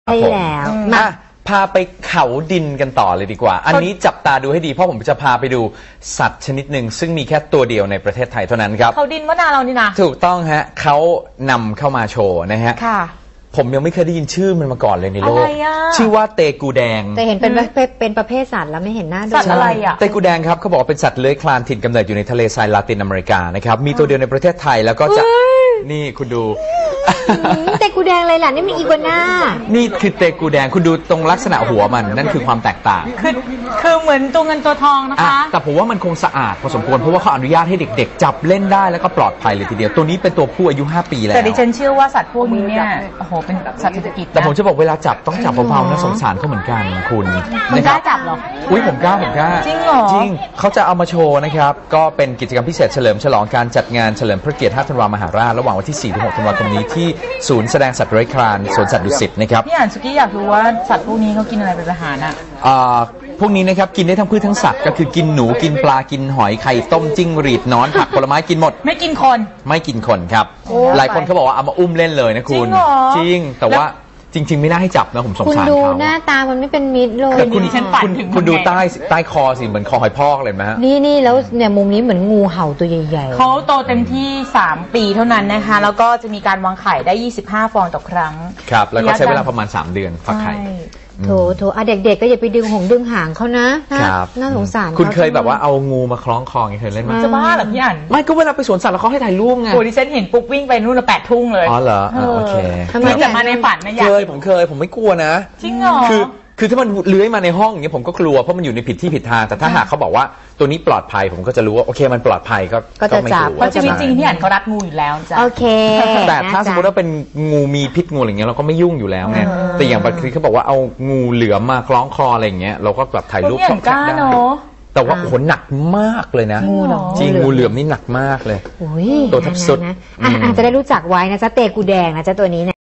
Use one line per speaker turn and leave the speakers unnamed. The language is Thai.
ใช่แล้วมา
พาไปเขาดินกันต่อเลยดีกว่าอันนี้จับตาดูให้ดีเพราะผมจะพาไปดูสัตว์ชนิดหนึ่งซึ่งมีแค่ตัวเดียวในประเทศไทยเท่านั้นครับ
เขาดินว่านาเรานี่นะ
ถูกต้องฮะเขานำเข้ามาโชว์นะฮะผมยังไม่เคยได้ยินชื่อมันมาก่อนเลยในโลกชื่อว่าเตกูแดง
แต่เห็นเป็นประเภทสัตว์แล้วไม่เห็นหน้าดู
สัตว์อะไรอ่ะ
เตกูแดงครับเขาบอกว่าเป็นสัตว์เลื้อยคลานถิ่นกำเนิดอยู่ในทะเลทรายลาตินอเมริกานะครับมีตัวเดียวในประเทศไทยแล้วก็จะนี่คุณดู
เตกูแดงอะไรล่ะนี่มีอีกัวน่า
นี่คือเตกูแดงคุณดูตรงลักษณะหัวมันนั่นคือความแตกต่าง
คือเหมือนตัวเงินตัวทองนะคะ
แต่ผมว่ามันคงสะอาดพอสมควรเพราะว่าเขาอนุญาตให้เด็กๆจับเล่นได้แล้วก็ปลอดภัยเลยทีเดียวตัวนี้เป็นตัวผู้อายุ5 ปีแล้ว
แต่ดิฉันเชื่อว่าสัตว์พวกนี้เนี่ยโอ้โหเป็นสัตว์เศรษฐกิจ
แต่ผมจะบอกเวลาจับต้องจับเบาๆนะสงสารเขาเหมือนกันคุณ
กล้าจับหรอ
อุ้ยผมกล้า
จริงเหรอ
จริงเขาจะเอามาโชว์นะครับก็เป็นกิจกรรมพิเศษเฉลิมฉลองการจัดงานเฉลิมพระเกียรติ5 ธันวามหาราชระหว่างวันที่ 4-6 ธันวาคมนี้ที่ศูนย์แสดงสัตว์เลื้อยคลานสวนสัตว์ดุสิตนะครับ
พี่อ่านสุกี้อยากรู้ว่าสัตว์พวกนี้เขากินอะไรเป็นอาหารอ่ะ
พวกนี้นะครับกินได้ทั้งพืชทั้งสัตว์ก็คือกินหนูกินปลากินหอยไข่ต้มจิ้งหรีดนอนผักผลไม้กินหมด
ไม่กิน
คนครับหลายคนเขาบอกว่าเอามาอุ้มเล่นเลยนะคุณจริงแต่ว่าจริงๆไม่น่าให้จับนะผมสงสารเขา
คุณดูหน้าตามันไม่เป็นมิตรเลย
คุณดูใต้คอสิเหมือนคอหอยพอกเลยไหมฮะ
นี่แล้วเนี่ยมุมนี้เหมือนงูเห่าตัวใหญ่
ๆเขาโตเต็มที่3 ปีเท่านั้นนะคะแล้วก็จะมีการวางไข่ได้25 ฟองต่อครั้ง
ครับแล้วก็ใช้เวลาประมาณ3 เดือนฟักไข่
โถเด็กๆก็อย่าไปดึงหางเขานะครับน่าสงสาร
คุณเคยแบบว่าเอางูมาคล้องคอเคยเล่นไหม
จะบ้าเหรอพี่อั๋น
ไม่ก็เวลาไปสวนสัตว์แล้วเขาให้ถ่ายรูปไง
โอ้ดิฉันเห็นปุ๊บวิ่งไปนู่นละ8 ทุ่งเลย
อ๋อเหรอโอเค
ทำไมจะมาในฝันนะอยาก
ผมเคยผมไม่กลัวนะ
จริงเหรอ
คือถ้ามันเลื้อยมาในห้องอย่างเงี้ยผมก็กลัวเพราะมันอยู่ในผิดที่ผิดทางแต่ถ้าหากเขาบอกว่าตัวนี้ปลอดภัยผมก็จะรู้ว่าโอเคมันปลอดภัย
ก็จะจับ
เพราะชีวิตจริงที่อ่านเขารัดงูอยู่แล้วจ้ะ
โอเค
แต่ถ้าสมมติว่าเป็นงูมีพิษงูอะไรเงี้ยเราก็ไม่ยุ่งอยู่แล้วไงแต่อย่างบางทีเขาบอกว่าเอางูเหลือมมาคล้องคออะไรเงี้ยเราก็แบบถ่ายรูปส่งแชทได้แต่ว่าโอ้โหหนักมากเลยนะจริงงูเหลือมนี่หนักมากเลยตัวทับสุด
จะได้รู้จักไว้นะจ๊ะเตกูแดงนะจ๊ะตัวนี้